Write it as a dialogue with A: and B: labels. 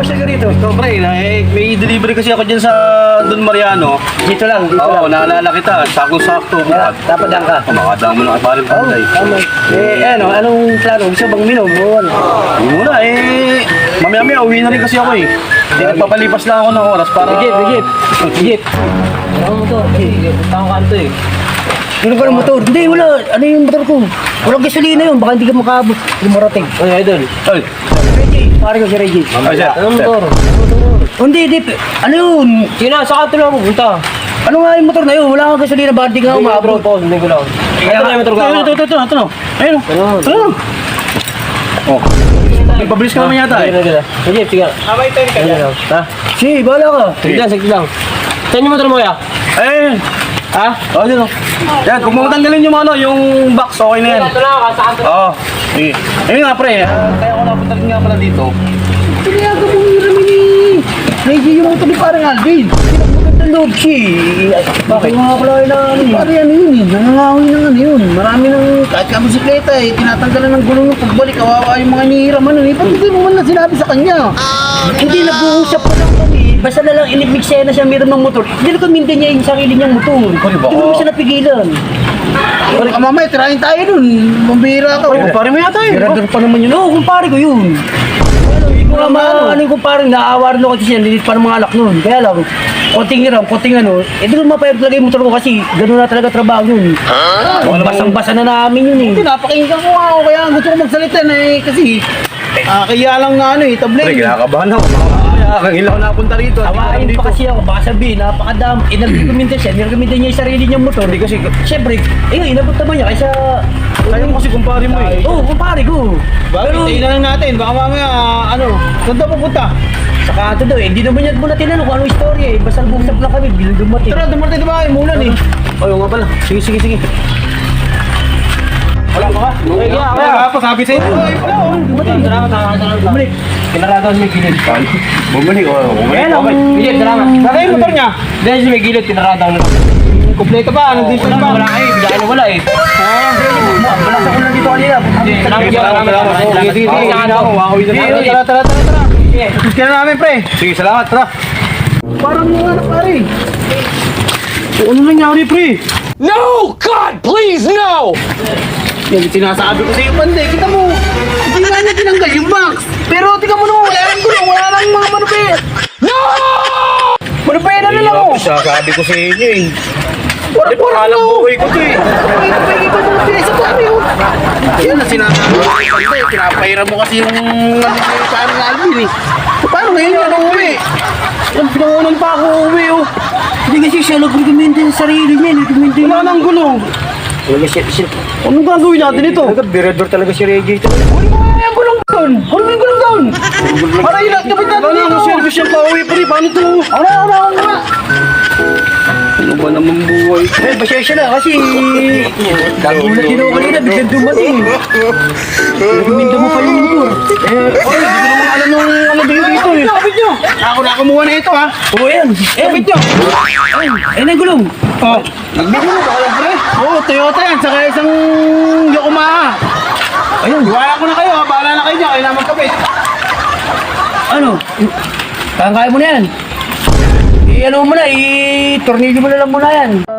A: pasyal ka rito?
B: So, pre, may delivery kasi ako dyan sa Don Mariano.
A: Dito lang, dito
B: Oo,
A: lang.
B: naalala kita. Sakto-sakto.
A: Dapat lang ka.
B: Makadaan mo ng iparin
A: Oo,
B: panday.
A: tama. Anong plano? Gusto bang minom? O ano?
B: Hindi muna, mamaya-maya, uwi na rin kasi ako eh. Nagpapalipas lang ako ng oras para...
A: Legit.
C: Ano mo to? Tawang kanto eh.
A: Ano ka ng motor? Hindi, wala. Ano yung motor ko? Walang gasolina yun. Baka hindi ka makabot. Yung marating.
C: Ano idol?
B: Ay,
A: Reggie. Pare ko si Reggie.
B: ay, sir.
C: Anong
B: Sir.
C: motor?
A: Hindi. Ano yun?
C: Sige na, sa kanto lang pupunta.
A: Ano nga yung motor na yun? Wala kang gasolina. Baka hindi ka umabot.
C: Hindi ko lang. Ito na yung motor ko.
B: Ito. Ayun. Ito. Oh. Pabilis ka naman yata eh.
C: Sige, sige.
B: Abay, tayo ka dyan.
C: Ha?
A: Sige, bahala ka.
C: Sige lang. Saan yung motor mo kaya?
B: Eh,
C: Ha?
B: oh, dyan. Yan, kung matanggalin yung ano, yung box, okay na yan.
C: Ito na, sa kanto.
B: Oo. Sige. Ayun nga, pre. Kaya ako napunta rin nga pala dito.
A: Pinayagan mo yung rami ni Reggie yung motor ni parang Alvin. Magandang loob siya eh. Bakit nga pala na ano yun? Pare ano yun eh. Nangangahoy ng ano yun. Marami ng kahit ka bisikleta eh. Tinatanggalan ng gulong yung pagbalik. Kawawa yung mga inihiram ano eh. Pati mo man na sinabi sa kanya. Hindi nag-uusap pa lang kami. Basta na lang inimiksena siya meron ng motor. Hindi na kumintin niya yung sarili niyang motor.
B: Pare ba?
A: Hindi mo siya napigilan. Pare ka mamaya, tirahin tayo dun. Mambira ka.
B: Pare mo yata eh.
A: Mirador pa naman yun. Oo, kumpare ko yun. Ano yung kumpare, naaawa rin ako kasi siya, lilit pa ng mga anak nun. Kaya lang, konting hiram, konting ano, di ko mapayag talaga yung motor ko kasi gano'n na talaga trabaho yun. Basang-basa na namin yun eh.
D: Pinapakinggan ko nga ako kaya gusto ko magsalita na eh kasi kaya lang na ano eh,
B: Pre,
D: tabling.
B: kinakabahan ako. Mamaya, kangilaw na punta rito.
A: Hawain pa kasi ako, baka sabihin, napakadam. Nag-recommenda siya, nirecommenda niya yung sarili niyang motor. Hindi kasi, siyempre, inabot naman niya kaysa...
B: Ayaw mo kasi kumpare mo eh.
A: Oo, kumpare ko.
D: Bakit? Tingnan lang natin, baka mamaya ano, saan daw pupunta?
A: Sa kanto daw, hindi naman niya muna tinanong kung anong istorya eh. Basta nag-usap lang kami, bilang dumating.
D: Tara, dumating diba? Umulan eh.
B: Ayaw nga pala. Sige. Wala pa ka?
D: Kaya pa sabi sa'yo. Ay, wala oh.
A: Bumalik.
C: Kinaradaw sa may gilid.
B: Bumalik.
A: Kaya lang,
C: Sige, salamat.
D: Saka yung motor niya.
C: Dahil sa may gilid, kinaradaw na lang.
D: Kompleto pa, nandito na ba?
C: Wala eh, bigla na wala eh.
A: wala sa kulang dito kanina.
C: Sige, sige.
D: Tara. Gusto na namin pre.
B: Sige, salamat. Tara.
D: Parang mga anak pare.
B: Ano nangyari, pre?
E: No! God, please, no!
D: Yan, sinasabi ko sa iyo, Panday. Kita mo, hindi nga niya tinanggal yung box. Pero tingnan mo naman, wala nang gulong, wala nang mga manupe.
E: No!
D: Manupe na lang ako.
B: Sabi ko sa inyo eh.
D: Parang
B: Alam buhay ko to eh.
D: Pwede ba mo pinasa ko ano yun? Yan na sinasabi ko sa Panday. Pinapahiram mo kasi yung parang Alvin eh. Paano ngayon yun ang uwi? Ang pinangunan pa ako uwi oh.
A: Hindi kasi siya nag-recommenda yung sarili niya. Nag-recommenda yung...
D: Wala nang gulong.
A: Wala siya.
D: Anong gagawin natin ito?
A: Nag-birador talaga si Reggie.
D: Ano ba yung gulong doon? Ano ba yung gulong doon? Para ilat, kapit natin
B: Ano
D: dito.
B: ang service yung pauwi, pre? Paano to?
D: Ako.
B: Ano ba naman buhay?
A: Eh, pasensya na kasi... Nagulat din ako kanina, biglang dumating. Recommenda mo pa yung motor.
D: Oy, hindi ko naman alam yung ano dito eh. Kapit nyo. Ako na kumuha na ito ha.
A: Oo, yan.
D: Kapit nyo.
A: Ayun ang gulong.
D: Oh, nagbigay mo ba alam pre? Oo, Toyota yan. Saka isang Yokomaha.
A: Ayun.
D: Iwala ko na kayo ha. Bahala na kayo dyan. Kailangan magkapit.
A: Ano? Kaya mo na yan. I-ano mo na, i-tornilyo mo na lang muna yan.